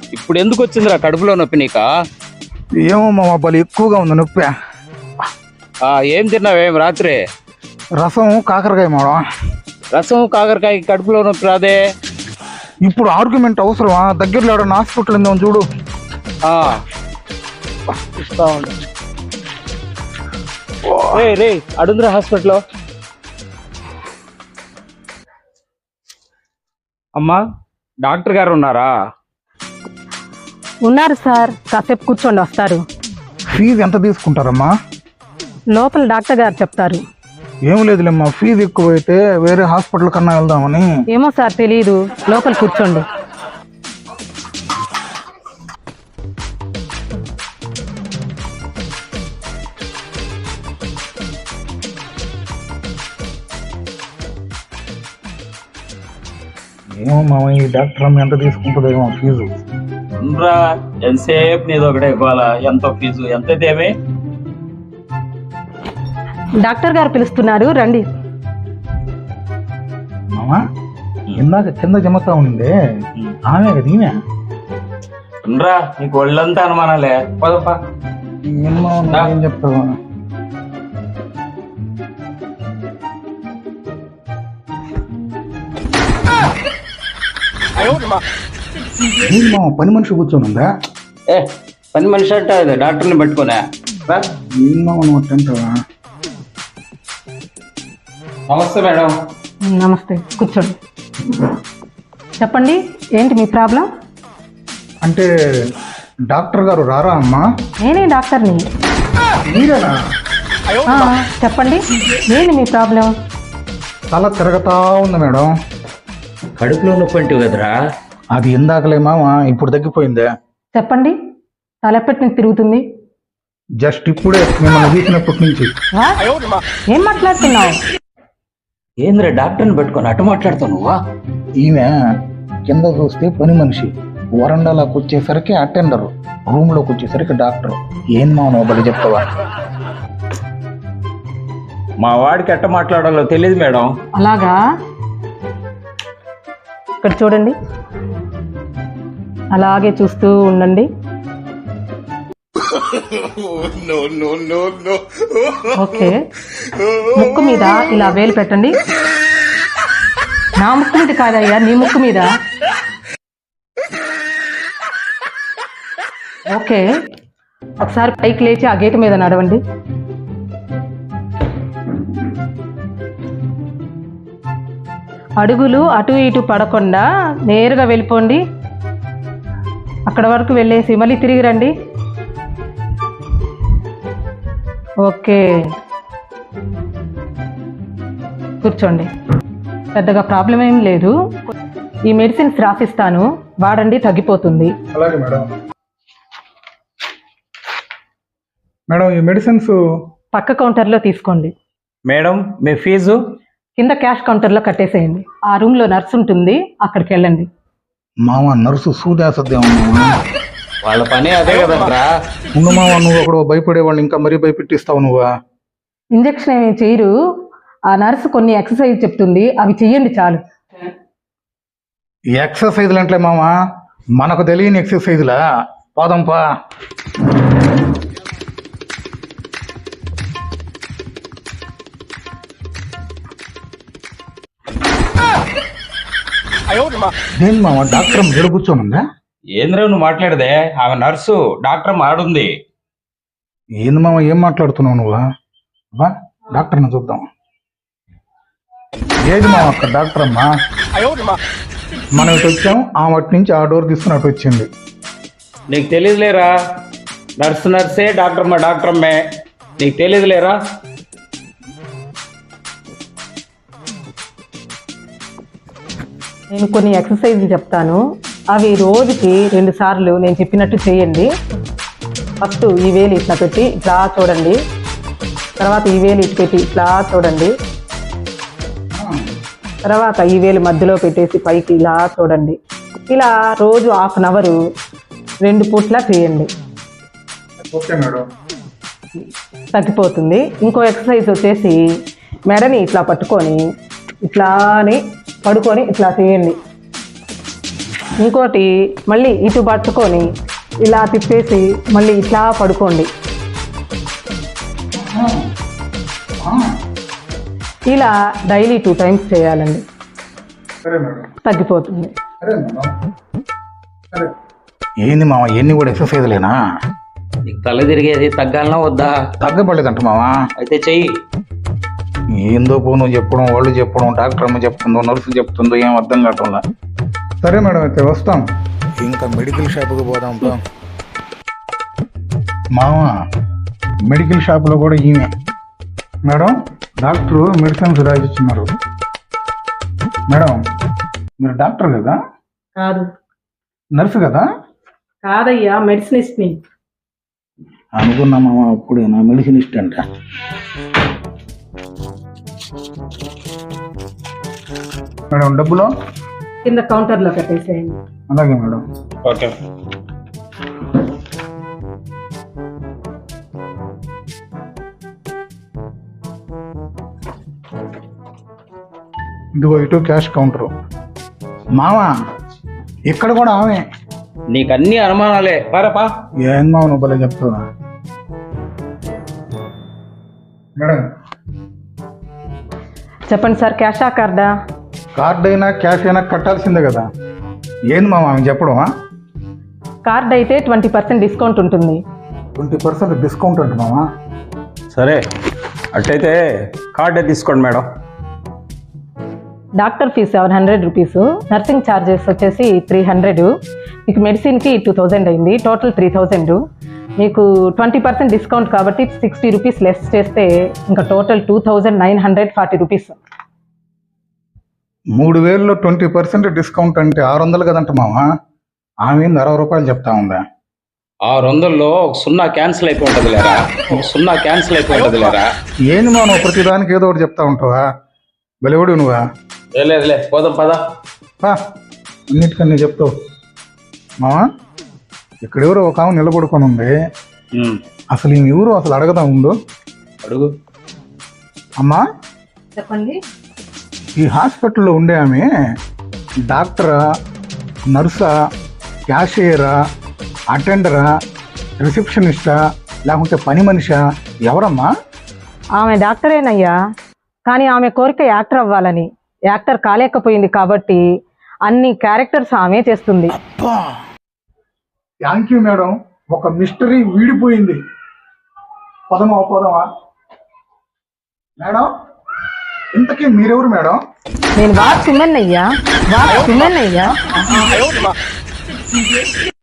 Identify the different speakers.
Speaker 1: ఇప్పుడు ఎందుకు వచ్చిందిరా కడుపులో నొప్పి నీకా?
Speaker 2: ఏమో మామ బలి ఎక్కువగా ఉంది నొప్పి.
Speaker 1: ఏం తిన్నావేం రాత్రి?
Speaker 2: రసం కాకరకాయ మావా.
Speaker 1: రసం కాకరకాయ కడుపులో నొప్పి రాదే?
Speaker 2: ఇప్పుడు ఆర్గ్యుమెంట్ అవసరమా? దగ్గరలో ఎవడన్నా హాస్పిటల్ ఉందాం చూడు.
Speaker 1: రే అడుంద్రా హాస్పిటల్లో. అమ్మా డాక్టర్ గారు ఉన్నారా?
Speaker 3: ఉన్నారు సార్, కాసేపు కూర్చోండి వస్తారు.
Speaker 2: ఫీజు ఎంత తీసుకుంటారమ్మా?
Speaker 3: లోపల డాక్టర్ గారు చెప్తారు.
Speaker 2: ఏం లేదులేమ్మా, ఫీజు ఎక్కువైతే వేరే హాస్పిటల్ కన్నా వెళ్దామని.
Speaker 3: ఏమో సార్ తెలియదు, లోపల కూర్చోండి.
Speaker 2: ఏమో మామ, ఈ డాక్టర్ అమ్మ ఎంత తీసుకుంటుందో ఏమో ఫీజు.
Speaker 1: ఎంతసేపు నీది ఒకటే గోల. ఎంతో ఫీజు ఎంతేమి?
Speaker 3: డాక్టర్ గారు పిలుస్తున్నారు, రండి.
Speaker 2: మామా ఇందాక కింద జమతా ఉండే ఆమె కదా ఈమె?
Speaker 1: నీకు ఒళ్ళంతా అనుమానాలే. పదప్పా.
Speaker 2: ఏమో ఏం చెప్తావా? పని మనిషి కూర్చొని ఉందా?
Speaker 1: పని మనిషి అంటే అదే డాక్టర్ని పట్టుకునే.
Speaker 2: అంటావా?
Speaker 1: నమస్తే మేడం.
Speaker 3: నమస్తే, కూర్చోండి. చెప్పండి, ఏంటి మీ ప్రాబ్లం?
Speaker 2: అంటే డాక్టర్ గారు రారా అమ్మా?
Speaker 3: నేనే డాక్టర్ని.
Speaker 2: మీరేనా?
Speaker 3: చెప్పండి, ఏంటి మీ ప్రాబ్లం?
Speaker 2: తల తిరగతా ఉంది మేడం.
Speaker 1: కడుపులో నొప్పి అంటావు కదరా?
Speaker 2: అది ఇందాకలే మామ, ఇప్పుడు తగ్గిపోయిందే.
Speaker 3: చెప్పండి, తల ఎప్పటి నుంచి తిరుగుతుంది?
Speaker 2: జస్ట్ ఇప్పుడే మిమ్మల్ని చూసినప్పటి నుంచి.
Speaker 3: ఏం మాట్లాడుతున్నావు?
Speaker 1: ఏంద్రా డాక్టర్ని పెట్టుకొని అటు మాట్లాడుతావు నువ్వా?
Speaker 2: ఈమె కింద చూస్తే పని మనిషి, వరండాలోకి వచ్చేసరికి అటెండర్, రూమ్ లోకి వచ్చేసరికి డాక్టర్. ఏం మామ బలి చెప్తావా?
Speaker 1: మా వాడికి ఎట్ట మాట్లాడాలో తెలియదు మేడం.
Speaker 3: అలాగా? ఇక్కడ చూడండి, అలాగే చూస్తూ ఉండండి. ఓకే, ముక్కు మీద ఇలా వేలు పెట్టండి. నా ముక్కు మీద కాదయ్యా, నీ ముక్కు మీద. ఓకే, ఒకసారి పైకి లేచి ఆ గేటు మీద నడవండి. అడుగులు అటు ఇటు పడకుండా నేరుగా వెళ్ళిపోండి. అక్కడ వరకు వెళ్ళేసి మళ్ళీ తిరిగి రండి. ఓకే, కూర్చోండి. పెద్దగా ప్రాబ్లం ఏం లేదు. ఈ మెడిసిన్స్ రాసిస్తాను, వాడండి, తగ్గిపోతుంది.
Speaker 2: అలాగే మేడం. మేడం ఈ మెడిసిన్స్
Speaker 3: పక్క కౌంటర్లో తీసుకోండి.
Speaker 1: మేడం మీ ఫీజు
Speaker 3: కింద క్యాష్ కౌంటర్లో కట్టేసేయండి. ఆ రూమ్లో నర్స్ ఉంటుంది, అక్కడికి వెళ్ళండి.
Speaker 2: మామ నర్సు సూదేసద్దేమో.
Speaker 1: వాళ్ళ పని అదే కదరా.
Speaker 2: ఉండు మామ, నువ్వు ఒకడు భయపడే వాళ్ళు ఇంకా మరీ భయపెట్టిస్తావు నువ్వా?
Speaker 3: ఇంజక్షన్ ఏమి చేయరు, ఆ నర్సు కొన్ని ఎక్సర్సైజ్ చెప్తుంది, అవి చెయ్యండి చాలు.
Speaker 2: ఎక్సర్సైజ్లు అంటే మామ మనకు తెలియని ఎక్సర్సైజ్లా? పోదంపా. నేను మామ డాక్టర్ గడు కూర్చోనుందా?
Speaker 1: ఏంద్రా నువ్వు మాట్లాడదే? ఆమె నర్సు, డాక్టర్ మాడుంది.
Speaker 2: ఏంది మామ ఏం మాట్లాడుతున్నావు నువ్వా? డాక్టర్ని చూద్దాం. ఏది మామ అక్కడ డాక్టర్ అమ్మా? మనం ఇటు వచ్చాం, ఆ మట్టి నుంచి ఆ డోర్ తీసుకున్నట్టు వచ్చింది.
Speaker 1: నీకు తెలియదులేరా, నర్సు నర్సే, డాక్టర్ అమ్మే. నీకు తెలియదులేరా?
Speaker 3: నేను కొన్ని ఎక్సర్సైజ్లు చెప్తాను, అవి రోజుకి 2 సార్లు నేను చెప్పినట్టు చేయండి. ఫస్ట్ ఈ వేలు ఇట్లా పెట్టి ఇట్లా చూడండి, తర్వాత ఈ వేలు ఇటు పెట్టి ఇట్లా చూడండి, తర్వాత ఈ వేలు మధ్యలో పెట్టేసి పైకి ఇలా చూడండి. ఇలా రోజు 1/2 అవర్ 2 పూట్ల చేయండి.
Speaker 2: Okay madam.
Speaker 3: తగ్గిపోతుంది. ఇంకో ఎక్సర్సైజ్ వచ్చేసి మెడని ఇట్లా పట్టుకొని ఇట్లానే పడుకొని ఇట్లా చేయండి. ఇంకోటి మళ్ళీ ఇటు పట్టుకొని ఇలా తిప్పేసి మళ్ళీ ఇట్లా పడుకోండి. ఇలా డైలీ 2 times చేయాలండి,
Speaker 2: సరే మేడం.
Speaker 3: తగ్గిపోతుంది.
Speaker 2: సరే మేడం. సరే. ఏంది మామ ఎన్ని కూడా ఎక్సర్సైజ్లేనా?
Speaker 1: నీకు తల తిరిగేది తగ్గాలనా వద్దా?
Speaker 2: తగ్గబడలేదంట మావా.
Speaker 1: అయితే చెయ్యి.
Speaker 2: ఏందో పో నువ్వు చెప్పడం, వాళ్ళు చెప్పడం, డాక్టర్ అమ్మ చెప్తుందో, నర్సు చెప్తుందో ఏం అర్థం కావట్లా. సరే మేడం, అయితే వస్తాం. ఇంకా మెడికల్ షాప్కి పోదాం. మామ మెడికల్ షాప్లో కూడా ఈమె మేడం డాక్టరు మెడిసిన్స్ రాసిస్తున్నారు. మేడం మీరు డాక్టర్ కదా?
Speaker 3: కాదు.
Speaker 2: నర్సు కదా?
Speaker 3: కాదయ్యా, మెడిసినిస్ట్ని.
Speaker 2: అనుకున్నా మామ, అప్పుడే నా మెడిసినిస్ట్ అంట. మేడం డబ్బులు
Speaker 3: కింద కౌంటర్లో కట్టేసేయండి.
Speaker 2: అలాగే మేడం.
Speaker 1: ఓకే.
Speaker 2: ఇదిగో ఇటు క్యాష్ కౌంటరు. మామ ఇక్కడ కూడా ఆమె.
Speaker 1: నీకు అన్ని అనుమానాలే. పారపా.
Speaker 2: ఏం మామ నువ్వు భలే చెప్తున్నా. మేడం
Speaker 3: చెప్పండి సార్, క్యాషా కార్డా?
Speaker 2: కార్డ్ అయినా క్యాష్ అయినా కట్టాల్సిందే కదా. ఏంది మామ ఆమె చెప్పడమా?
Speaker 3: కార్డ్ అయితే 20% డిస్కౌంట్ ఉంటుంది.
Speaker 2: 20% డిస్కౌంట్ అంట మామ.
Speaker 1: సరే, అట్టయితే కార్డే తీసుకోండి madam.
Speaker 3: Doctor fees 700 rupees, nursing charges వచ్చేసి 300, మీకు మెడిసిన్కి 2000 అయింది, టోటల్ 3000. మీకు 20% డిస్కౌంట్ కాబట్టి 60 రూపీస్ లెస్ చేస్తే ఇంకా టోటల్ 2940 రూపీస్.
Speaker 2: 3000లో 20% డిస్కౌంట్ అంటే 600 కదంట మామ. ఆమె 60 రూపాయలు చెప్తా ఉందా?
Speaker 1: 600లో ఒక 0 క్యాన్సిల్ అయిపోయి ఉంటుంది లేరా. ఒక 0 క్యాన్సిల్ అయిపోయి ఉంటుంది లేరా.
Speaker 2: ఏంది మా నువ్వు ప్రతిదానికి ఏదో ఒకటి చెప్తా ఉంటావా? వెలువడు నువ్వా?
Speaker 1: లేదులే, పోదాం పదా.
Speaker 2: అన్నిటికన్నీ చెప్తావు మావా. ఇక్కడెవరో ఒక ఆమె నిలబడుకొని ఉంది. అసలు ఈమె ఎవరు అసలు అడగదా ఉండు.
Speaker 1: అడుగు.
Speaker 2: అమ్మా
Speaker 3: చెప్పండి.
Speaker 2: ఈ హాస్పిటల్లో ఉండే ఆమె డాక్టరా, నర్సా, క్యాషియరా, అటెండరా, రిసెప్షనిస్టా, లేకుంటే పని మనిషా? ఎవరమ్మా?
Speaker 3: ఆమె డాక్టరేనయ్యా, కానీ ఆమె కోరిక యాక్టర్ అవ్వాలని. యాక్టర్ కాలేకపోయింది కాబట్టి అన్ని క్యారెక్టర్స్ ఆమె చేస్తుంది.
Speaker 2: Thank you madam. ఒక మిస్టరీ వీడిపోయింది. పదమా మేడం. ఇంతకీ మీరెవరు మేడం?
Speaker 3: నేను వాచ్ ఉమెన్ అయ్యా.